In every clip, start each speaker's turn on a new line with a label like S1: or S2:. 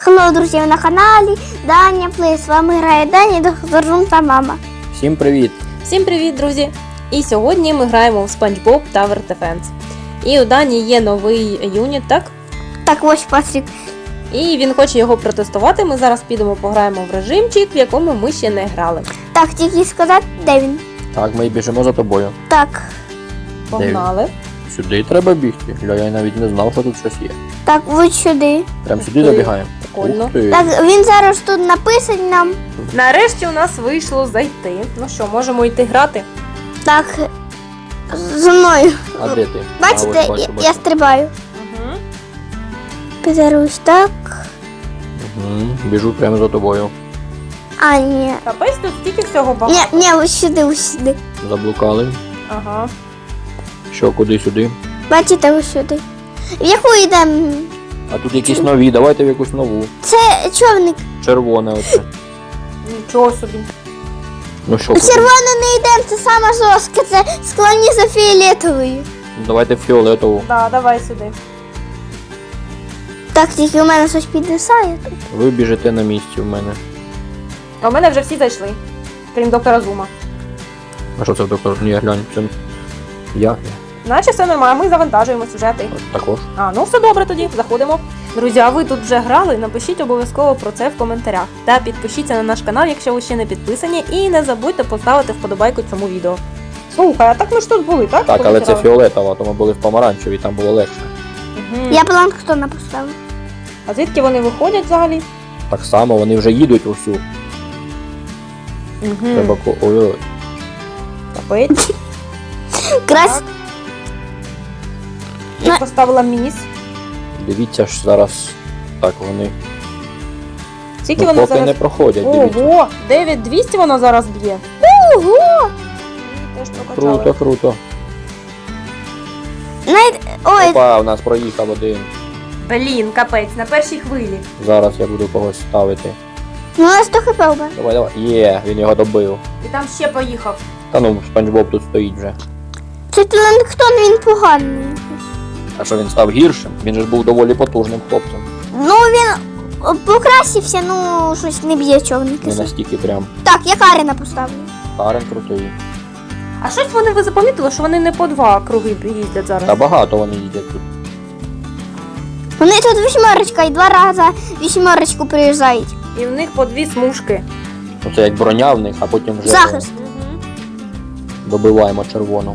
S1: Хелло, друзі, ви на каналі Даня Плей. З вами грає Даня, доктор Жум та мама.
S2: Всім привіт!
S3: Всім привіт, друзі! І сьогодні ми граємо в SpongeBob Tower Defense. І у Дані є новий юніт, так?
S1: Так, ось Патрік.
S3: І він хоче його протестувати. Ми зараз підемо пограємо в режимчик, в якому ми ще не грали.
S1: Так, тільки сказати, де він?
S2: Так, ми біжимо за тобою.
S1: Так,
S3: Погнали.
S2: Сюди треба бігти. Я навіть не знав, що тут щось є.
S1: так, ось сюди.
S2: Прям сюди
S3: Ух ти,
S2: забігаємо.
S3: прикольно.
S2: Ух ти.
S1: Так, він зараз тут написаний нам.
S3: Нарешті у нас вийшло зайти. Ну що, можемо йти грати?
S1: Так, зі мною.
S2: А де ти?
S1: Бачите,
S2: А, ось бачу.
S1: я стрибаю.
S3: Угу.
S1: Підарусь, так.
S2: Угу. Біжу прямо за тобою.
S1: А, ні.
S3: Капець, тут стільки всього багато.
S1: Ні, ось сюди, ось сюди.
S2: Заблукали.
S3: Ага.
S2: Що, куди сюди?
S1: Бачите, ось сюди. В яку йдемо?
S2: А тут якісь нові, давайте в якусь нову.
S1: Це човник.
S2: Червоне оце.
S3: Нічого собі.
S2: Ну що, куди?
S1: Червоне не йдемо, це саме жорстке, це склоні за фіолетовою.
S2: Ну, давайте в фіолетову.
S3: Да, давай сюди.
S1: Так, тільки у мене щось підвисає тут.
S2: Ви біжите на місці в мене.
S3: А в мене вже всі зайшли. Крім доктора Зума.
S2: А що це таке? Ні, глянь, це я.
S3: Наче все нормально, ми завантажуємо сюжети.
S2: Також.
S3: А, ну все добре тоді, заходимо. Друзі, а ви тут вже грали? Напишіть обов'язково про це в коментарях. Та підпишіться на наш канал, якщо ви ще не підписані, і не забудьте поставити вподобайку цьому відео. Слухай, а так ми ж тут були, так?
S2: Так,
S3: Коли
S2: але це
S3: грали?
S2: фіолетова, то ми були в помаранчевій, там було легше.
S3: Мгм.
S1: Я планктона поставив.
S3: А звідки вони виходять взагалі?
S2: Так само вони вже їдуть усю.
S3: Угу.
S2: Треба ой-ой.
S3: Капець.
S1: Крас...
S3: Так. Я поставила міс.
S2: Дивіться ж зараз. Так, вони.
S3: Скільки
S2: Ну,
S3: воно
S2: поки
S3: зараз?
S2: не проходять, дивіться.
S3: Ого, 9200 воно зараз б'є.
S1: Ого!
S3: Теж прокачали.
S2: Круто, круто.
S1: Ой,
S2: Опа, у нас проїхав один.
S3: Блін, капець, на першій хвилі.
S2: Зараз я буду когось ставити.
S1: ну у нас 100 хп убе.
S2: Давай, давай. Є, він його добив.
S3: І там ще поїхав.
S2: Та ну, Спанч Боб тут стоїть вже.
S1: Це планктон, він поганий.
S2: А що він став гіршим? Він же ж був доволі потужним хлопцем.
S1: Ну він покрасився, ну щось не б'є човники.
S2: Не настільки прям.
S1: Так, я Каріна поставлю.
S2: Карен крутий.
S3: А щось ви запомітили, що вони не по два круги їздять зараз?
S2: Та багато вони їдять тут.
S1: Вони тут вісьмерочка і 2 рази вісьмерочку приїжджають.
S3: І в них по 2 смужки.
S2: Ну це як броня в них, а потім вже
S1: Захист.
S2: добиваємо червону.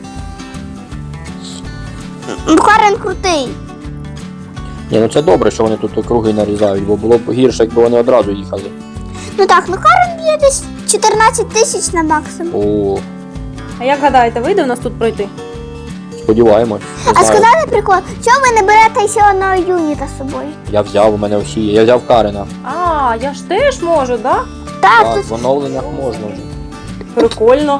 S1: Карен крутий.
S2: Ні, ну це добре, що вони тут круги нарізають, бо було б гірше, якби вони одразу їхали.
S1: Ну так, ну Карен б'є десь 14 тисяч на максимум.
S2: О,
S3: А як гадаєте, вийде у нас тут пройти?
S2: сподіваємось. Не
S1: А
S2: знаю.
S1: сказали прикол, чому ви не берете ще одного юніта з собою?
S2: Я взяв, у мене всі є. Я взяв Карена.
S3: А, я ж теж можу, да?
S1: Так,
S2: Так,
S1: тут
S2: в оновленнях можна вже.
S3: Прикольно.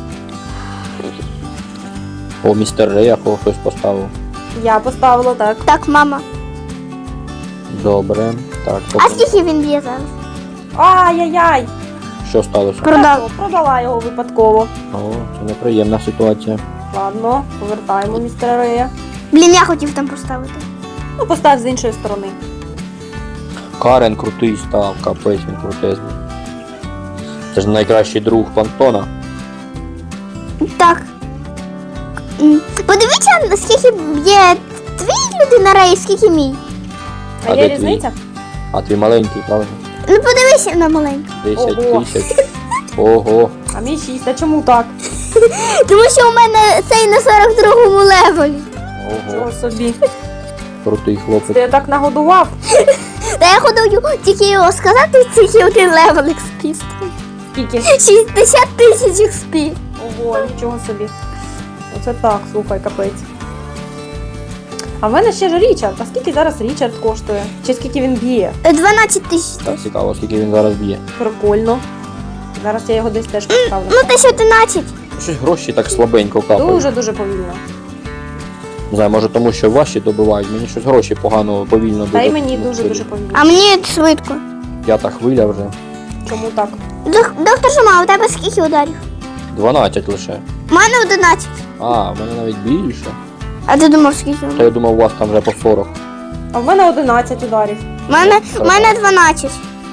S2: О, містер Рея хтось поставив.
S3: Я поставила так.
S1: так, мама.
S2: Добре. Так,
S1: А
S2: потім.
S1: скільки він б'є зараз?
S3: Ай-яй-яй!
S2: Що сталося?
S1: Продав.
S3: Продала його випадково.
S2: О, це неприємна ситуація.
S3: Ладно, повертаємо містера Рея.
S1: Блін, я хотів там поставити.
S3: Ну, постав з іншої сторони.
S2: Карен крутий став, капець він крутезний. Це ж найкращий друг планктона.
S1: Так. Подивіться, скільки б'є твій людина рей, скільки мій.
S3: А
S2: А
S3: є
S2: де твій?
S3: різниця?
S2: А твій маленький, правильно?
S1: Ну подивися на маленьку.
S2: 10
S3: Ого.
S2: тисяч. Ого.
S3: А мій 6, а чому так?
S1: Тому що у мене цей на 42-му левелі.
S2: Ого.
S3: Чого собі?
S2: Крутий
S3: Ти
S2: хлопець.
S3: я так нагодував.
S1: Та я ходив тільки його сказати, тільки один левел XP.
S3: Скільки?
S1: 60 тисяч XP.
S3: Ого, нічого собі. Оце так, слухай, капець. А в мене ще ж Річард. А скільки зараз Річард коштує? Чи скільки він б'є?
S1: 12 тисяч.
S2: Так цікаво, скільки він зараз б'є.
S3: Прикольно. Зараз я його десь теж поставлю.
S1: Ну, 1011.
S2: Щось гроші так слабенько капають.
S3: Дуже-дуже повільно.
S2: Не знаю, може тому, що ваші добивають. Мені щось гроші погано, повільно
S3: Та й
S2: дуже-
S3: мені
S2: ну,
S3: дуже-дуже повільно.
S1: А мені швидко.
S2: П'ята хвиля вже.
S3: Чому так?
S1: Доктор Жума, у тебе скільки ударів?
S2: 12 лише.
S1: У мене 11.
S2: А, в мене навіть більше.
S1: А ти думав, скільки?
S2: Та я думав, у вас там вже по 40.
S3: А в мене 11 ударів.
S1: У мене 12.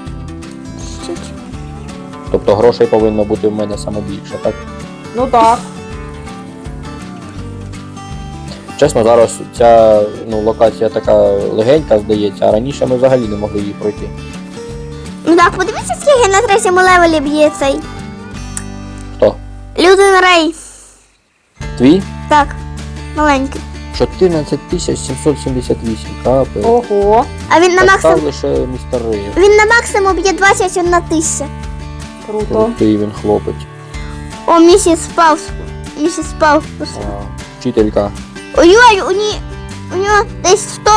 S2: Тобто грошей повинно бути в мене саме більше, так?
S3: Ну так.
S2: Чесно, зараз ця локація така легенька, здається, а раніше ми взагалі не могли її пройти.
S1: Ну так, подивіться, скільки на третьому левелі б'є цей.
S2: Хто?
S1: Людин Рей.
S2: Твій?
S1: Так, маленький.
S2: 14 778, капець.
S3: Ого.
S1: А він на
S2: Так
S1: максимум.
S2: став лише містер Рейв.
S1: Він на максимум б'є 21 тисяча.
S3: Круто.
S2: Крутий він хлопець.
S1: О, місіс Паус. Місіс Паус.
S2: А, вчителька.
S1: Ой-ой, у нього десь 100.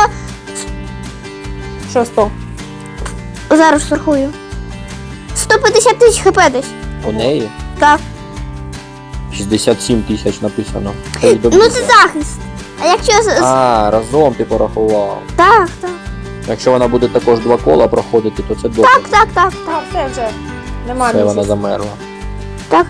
S3: Що 100?
S1: Зараз рахую. 150 тисяч хп десь.
S2: У неї
S1: Так.
S2: 67 тисяч написано.
S1: Ну це захист. А якщо
S2: А, разом ти порахував.
S1: Так, так.
S2: Якщо вона буде також 2 кола проходити, то це добре.
S1: Так.
S3: Так, все вже. Немає
S2: Все, вона
S3: місяця.
S2: замерла.
S1: Так.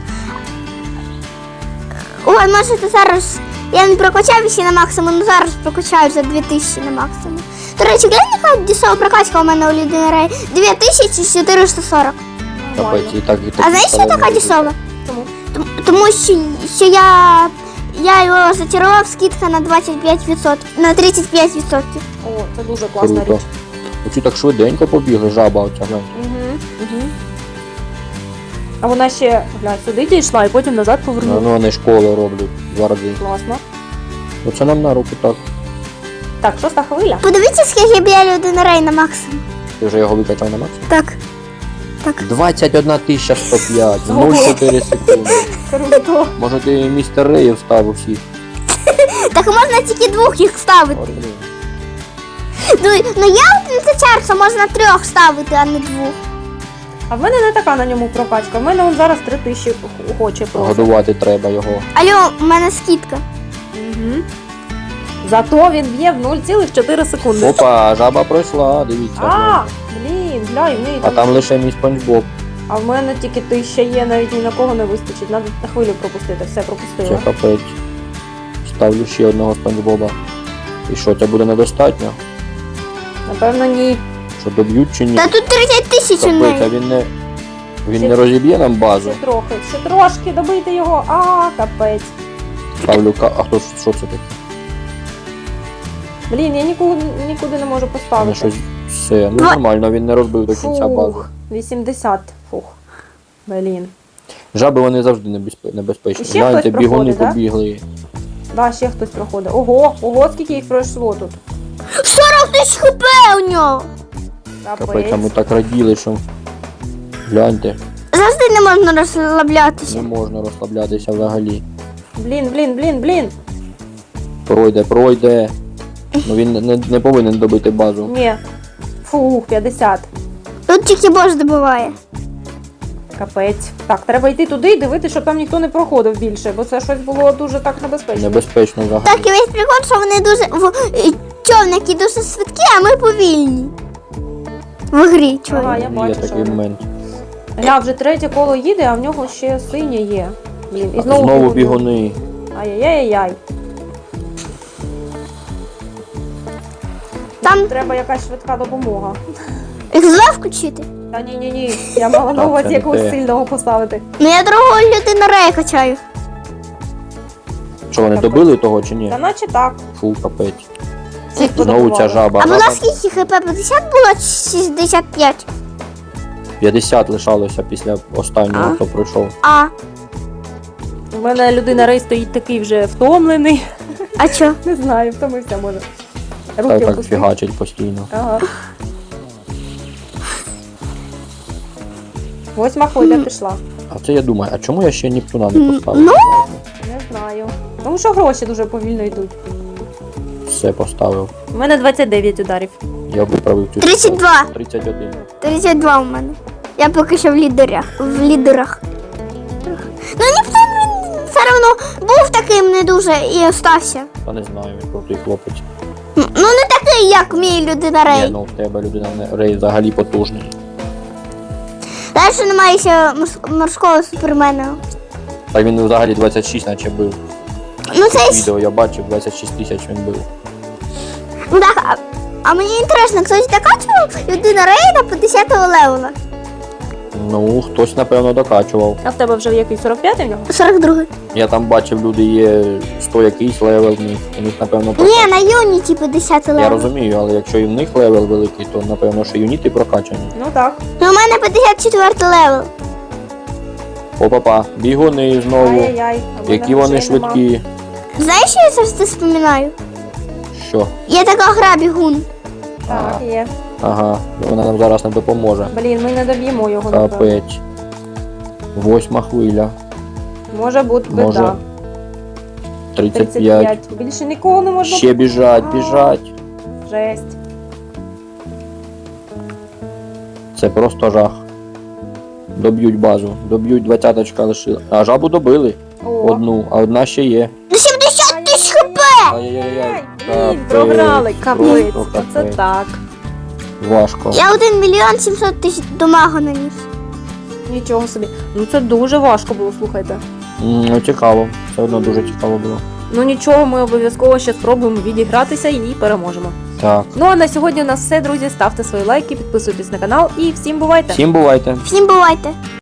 S1: Ой, можете зараз. Я не прокачав ще на максимум, але зараз прокачаю за 2000 на максимум. До речі, глянь, яка дісова прокачка у мене у Людини Рей. 2440.
S2: Капець, і так, і так.
S1: А знаєш, що така дісова?
S3: Чому?
S1: Тому що я його зачарував, скидка на 25%, на 35%.
S3: О, це дуже класна
S2: Круто.
S3: річ.
S2: Оці так швиденько побігли, жаба оця, глянь.
S3: Угу. А вона ще, глянь, сюди дійшла і потім назад повернула.
S2: Ну вони школи роблять 2 рази.
S3: Класно.
S2: Оце нам на руку так.
S3: Так, 6-та хвиля.
S1: Подивіться, скільки б'є Людина Рей на максимум.
S2: Ти вже його викачав на максимум?
S1: Так.
S2: 21 105, 0,4 секунди.
S3: Круто.
S2: Може ти містер Реїв ставив всіх?
S1: Так можна тільки 2 їх ставити.
S2: От, блін.
S1: Ну я от це чарса можна 3 ставити, а не 2.
S3: А в мене не така на ньому прокачка. В мене он зараз 3000 хоче просто.
S2: Годувати треба його.
S1: Алло, у мене скидка.
S3: Угу. Зато він б'є в 0,4 секунди.
S2: Опа, жаба пройшла, дивіться.
S3: А, блін, глянь, в неї
S2: А там лише мій Спанч Боб.
S3: А в мене тільки 1000 є, навіть ні на кого не вистачить. Надо на хвилю пропустити, все
S2: Це
S3: пропустила.
S2: капець. Ставлю ще одного Спанч Боба. І що, це буде недостатньо?
S3: Напевно, ні.
S2: Що доб'ють чи ні?
S1: Та тут 30 тисяч у
S2: Капець, а
S1: неї.
S2: він не розіб'є нам базу.
S3: Ще трошки, добийте його. А, капець.
S2: Ставлю А хто що це таке?
S3: Блін, я нікуди не можу
S2: Мене
S3: поставити.
S2: щось все. Ну нормально, він не розбив до кінця базу.
S3: Фух, 80. Фух. Блін.
S2: Жаби вони завжди небезпечні.
S3: І ще
S2: Гляньте,
S3: хтось
S2: бігуни
S3: проходить, да?
S2: побігли.
S3: Да, ще хтось проходить. Ого, скільки їх пройшло тут.
S1: 40 тисяч хп у нього.
S2: Капець, а ми так раділи, що гляньте,
S1: Завжди не можна розслаблятися.
S2: не можна розслаблятися взагалі.
S3: Блін.
S2: Пройде. Ну він не повинен добити базу.
S3: Ні. Фух, 50.
S1: Тут тільки бос добиває.
S3: Капець. Так, треба йти туди і дивитися, щоб там ніхто не проходив більше, бо це щось було дуже так небезпечно.
S2: Небезпечно взагалі.
S1: Так, і весь прикол, що вони дуже. Човники дуже швидкі, а ми повільні. В грі,
S3: Ага,
S1: чого.
S3: я
S2: Є
S3: бачу, що
S2: такий
S3: воно.
S2: момент.
S3: Гля, вже 3 коло їде, а в нього ще синє є. Блін, і
S2: Знову бігуни.
S3: Ай-яй-яй-яй.
S1: Там
S3: Треба якась швидка допомога.
S1: X2 включити.
S3: Та ні. Я мала на
S2: Так,
S3: увазі
S2: це не
S3: якогось
S2: те.
S3: сильного поставити.
S1: Ну я другого Людину Рея качаю.
S2: Що вони
S3: Капець.
S2: добили того чи ні?
S3: Та наче так.
S2: Фу, капець.
S3: Всіх
S2: Знову ця
S3: подобувало.
S2: жаба.
S1: А була
S2: Жаба
S1: скільки хп? 50 було чи 65?
S2: 50 лишалося після останнього,
S1: А.
S2: хто пройшов.
S1: А,
S3: У мене людина Рей стоїть такий вже втомлений.
S1: а чо?
S3: Не знаю, втомився може.
S2: Так,
S3: Руки
S2: так
S3: опустив.
S2: фігачить постійно.
S3: Ага. 8 хвиля пішла.
S2: А це я думаю, а чому я ще Нептуна не поставив?
S1: Ну?
S3: Не знаю. Тому що гроші дуже повільно йдуть.
S2: Все поставив.
S3: У мене 29 ударів.
S2: Я виправив цю
S1: 32.
S2: 31.
S1: 32 у мене. Я поки що в лідерах. Ну ніхто він все одно був таким не дуже і остався.
S2: Та не знаю, він крутий хлопець.
S1: Ну не такий, як мій Людина
S2: Ні,
S1: Рей.
S2: ну в тебе людина Рей взагалі потужний.
S1: Далі немає ще морського супермена.
S2: Та він взагалі 26 наче бив.
S1: Ну це ж.
S2: Відео я бачив, 26 тисяч він бив.
S1: Ну так, А мені інтересно, хтось докачував людина рейда по 10 левела?
S2: Ну, хтось, напевно, докачував.
S3: А в тебе вже який 45-й в нього?
S1: 42.
S2: Я там бачив, люди є 100 якийсь левел в них. У них, напевно,
S1: Ні, на юніті по 10 левел.
S2: Я розумію, але якщо і в них левел великий, то напевно, що юніти прокачані.
S3: Ну так.
S1: Ну, у мене 54 левел.
S2: Опа-па, бігуни знову.
S3: Ай-яй-яй. а в мене
S2: Які вони
S3: грошей нема.
S2: швидкі.
S1: Знаєш, що я завжди вспоминаю?
S2: Що?
S1: Є така гра бігун.
S3: Так, є.
S2: Ага, вона нам зараз не допоможе.
S3: Блін, ми не доб'ємо його, напевно.
S2: Капець. 8 хвиля.
S3: Може бути
S2: Може.
S3: біда.
S2: 35.
S3: Більше нікого не можна.
S2: Ще біжать, біжать.
S3: Жесть.
S2: Це просто жах. Доб'ють базу. Доб'ють 20-очка лишили. А жабу добили.
S3: О.
S2: Одну, а одна ще є.
S1: До 70 тисяч хп!
S2: Ай-яй-яй.
S3: Блін, програли, капець.
S2: Просто
S3: Оце
S2: капець.
S3: так.
S2: Важко.
S1: Я 1 мільйон 700 тисяч дамагу наніс.
S3: Нічого собі. Ну це дуже важко було, слухайте.
S2: Ну, цікаво. Все одно дуже цікаво було.
S3: Ну нічого, ми обов'язково ще спробуємо відігратися і переможемо.
S2: Так.
S3: Ну а на сьогодні у нас все, друзі. Ставте свої лайки, підписуйтесь на канал і всім бувайте!
S2: Всім бувайте.
S1: Всім бувайте!